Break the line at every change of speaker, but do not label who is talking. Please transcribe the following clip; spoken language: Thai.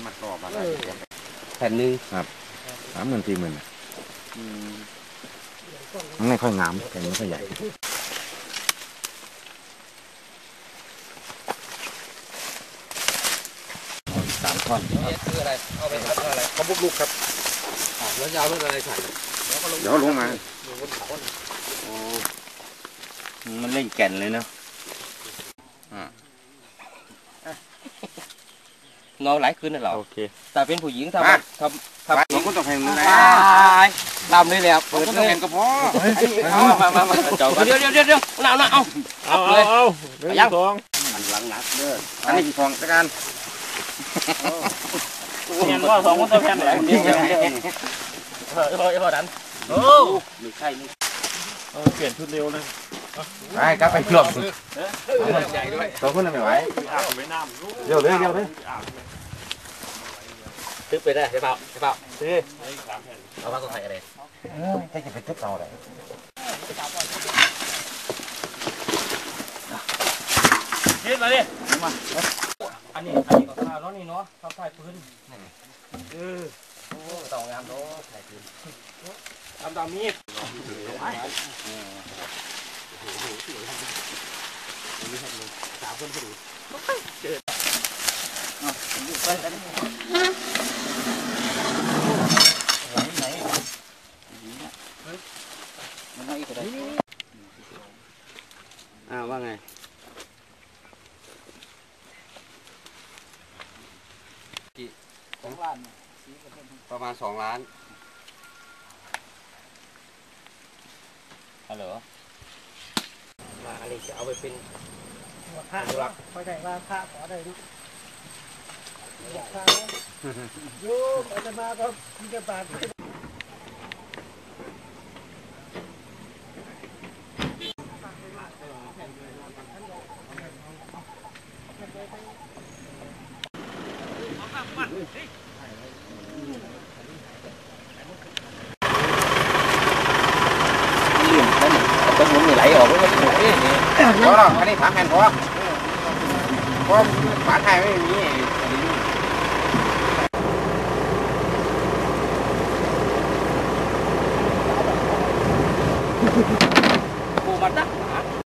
มัดรอบอะไร
แผ่นหนึ่ง
ครับ30,000 40,000มันไม่ค่อยงามแผ่นไม่ค่อยใหญ่3 ท่อน
คืออะไรเอาไปทำอะไรเขาบุกลุกครับแล้วยาวเรื่องอะไรใส่
เดี๋ยวลงมา
มันเล่นแก่นเลยเนาะนอนหลายคืนน่ะเหรอโอเคแต่เป็นผู้หญิงทำ
น้องก็ต้องแข่งมือไหน
ลำนี่แหละเปิดเลย
ก็พอ
มาเดี๋ยวเอา
ยังทองมันหลังหนักเด้ออันนี้ทองตะการ
เห็นว่า2 คนตัวแพนไหนพอดันโอ้ไม่ใช่นี่เปลี่ยนชุดเร็วเลย
ไปกลับไปกลบใหญ่ด้วยตัวคนไม่ไหวเร็ว
ตึ๊บไปได้ใช่เปล่าซื้อเอามาตัวไทยอะไร
ให้จะไปตึ๊บเอาอะไร
ยืดมาดิมาอันนี้ก็ข้าวนี่เนาะข้าวไทยพื้นโอ้ต่องามเนาะไทยพื้นตามนี้3 คนพอดีเจอไปกันว่าไง2 ล้านประมาณ2 ล้านฮัลโหลมาอะไรจะเอาไปเป็น
พระคอยได้ว่าพระขอได้นะอยากพระโยมอาตมาก็มีกระบาด
ต้นมันไหลออกแล้วก็
พอแล้วอันนี้3 แผ่นพอฝาไทยไม่มี
ปูมันนะ